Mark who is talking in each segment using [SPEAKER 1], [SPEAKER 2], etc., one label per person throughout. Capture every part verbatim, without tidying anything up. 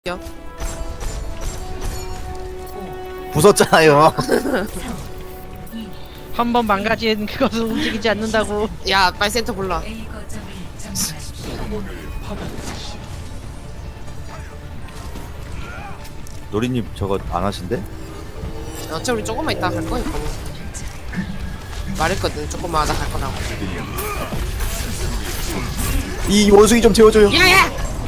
[SPEAKER 1] 부쉈잖아요.
[SPEAKER 2] 한 번 망가진 그것은 움직이지 않는다고.
[SPEAKER 3] 야, 빨리 센터 골라.
[SPEAKER 1] 노리님 저거 안 하신대?
[SPEAKER 3] 어차피 우리 조금만 있다가 갈 거니까. 말했거든, 조금만 하다 갈 거라고.
[SPEAKER 1] 이 원숭이 좀 재워줘요.
[SPEAKER 3] 야야!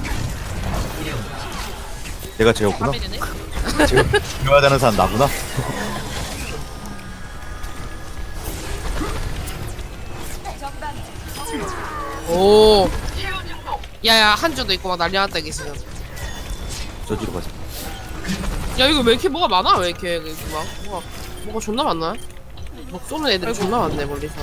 [SPEAKER 1] 내가 재웠구나. 재워, 재워야 되는 사람 나구나.
[SPEAKER 3] 오. 야야, 한주도 있고 막 난리 났다, 이게 지금.
[SPEAKER 1] 저기로 가자.
[SPEAKER 3] 야, 이거 왜 이렇게 뭐가 많아? 왜 이렇게, 이렇게 막. 뭐가, 뭐가 존나 많나? 막 쏘는 애들이 존나 많네, 멀리서.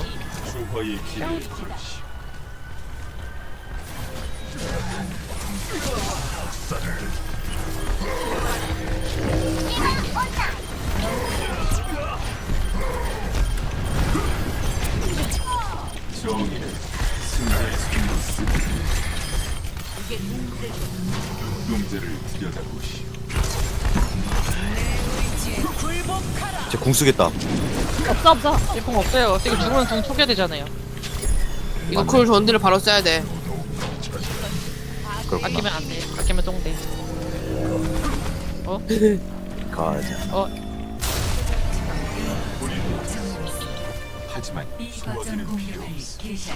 [SPEAKER 1] 쟤 궁 쓰겠다.
[SPEAKER 2] 없어 없어. 일품 없어요. 지금 죽으면 돈 초기화 되잖아요.
[SPEAKER 3] 이거 쿨 전디를 바로 써야 돼.
[SPEAKER 1] 그렇구나.
[SPEAKER 2] 아끼면 안 돼. 아끼면 똥돼. 어?
[SPEAKER 1] 가자.
[SPEAKER 2] 어?
[SPEAKER 4] 하지만 소화기는 필요 없어.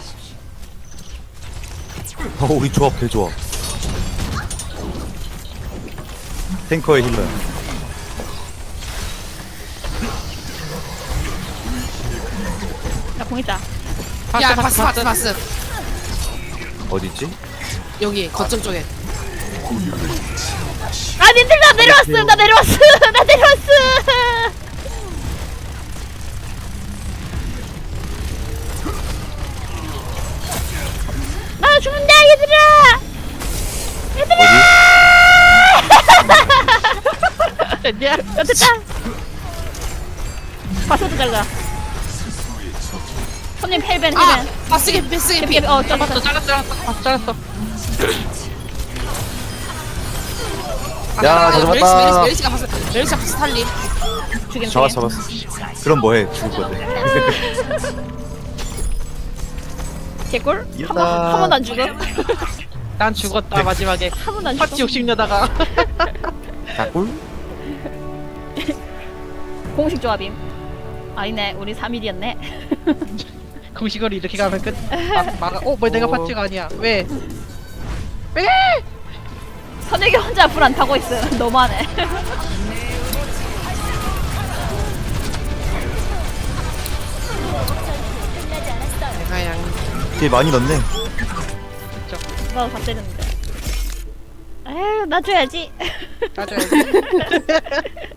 [SPEAKER 1] 어, 우리 조합 개 좋아. 탱커의 힐러야.
[SPEAKER 5] 나 공 있다.
[SPEAKER 3] 야, 바스, 바스, 바스.
[SPEAKER 1] 어디 있지?
[SPEAKER 3] 여기, 거점 쪽에.
[SPEAKER 5] 아, 님들 나 내려왔어. 나 내려왔어. 나 내려왔어. 나 죽는다, 얘들아.
[SPEAKER 1] 어디?
[SPEAKER 2] 야,
[SPEAKER 5] 야, 됐다. 바스도 잘가. 손님 헬벤
[SPEAKER 3] 아!
[SPEAKER 5] 헬벤.
[SPEAKER 3] 바스 개피, 바스 개피.
[SPEAKER 5] 개피, 어,
[SPEAKER 2] 잘랐어,
[SPEAKER 5] 잘랐어.
[SPEAKER 2] 잘랐어, 잘랐어. 아, 잘랐어.
[SPEAKER 1] 야,
[SPEAKER 3] 아,
[SPEAKER 1] 다
[SPEAKER 3] 메리시, 메리시,
[SPEAKER 1] 잡았다.
[SPEAKER 3] 메리시가 바스, 메리시가 바스 탈리.
[SPEAKER 5] 죽인
[SPEAKER 1] 잡았어, 잡았어. 그럼 뭐해? 죽을 건데.
[SPEAKER 5] 개꿀? 한
[SPEAKER 1] 이겼다.
[SPEAKER 5] 번, 한 번도 안 죽어?
[SPEAKER 2] 난 죽었다 마지막에.
[SPEAKER 5] 한 번도 안
[SPEAKER 2] 파티
[SPEAKER 5] 죽어?
[SPEAKER 2] 욕심내다가.
[SPEAKER 1] 닭꿀?
[SPEAKER 5] 공식 조합임. 아니네, 우리 삼 일이었네.
[SPEAKER 2] 공식으로 이렇게 가면 끝. 아, 막아. 어, 뭐 내가
[SPEAKER 1] 어.
[SPEAKER 2] 파티가 아니야. 왜? 왜?
[SPEAKER 5] 선혁이 혼자 불 안 타고 있어. 너무하네.
[SPEAKER 3] 내가 양.
[SPEAKER 1] 딜 많이 넣네.
[SPEAKER 5] 나도 다 때렸는데. 에휴, 나 줘야지.
[SPEAKER 2] 따져야지.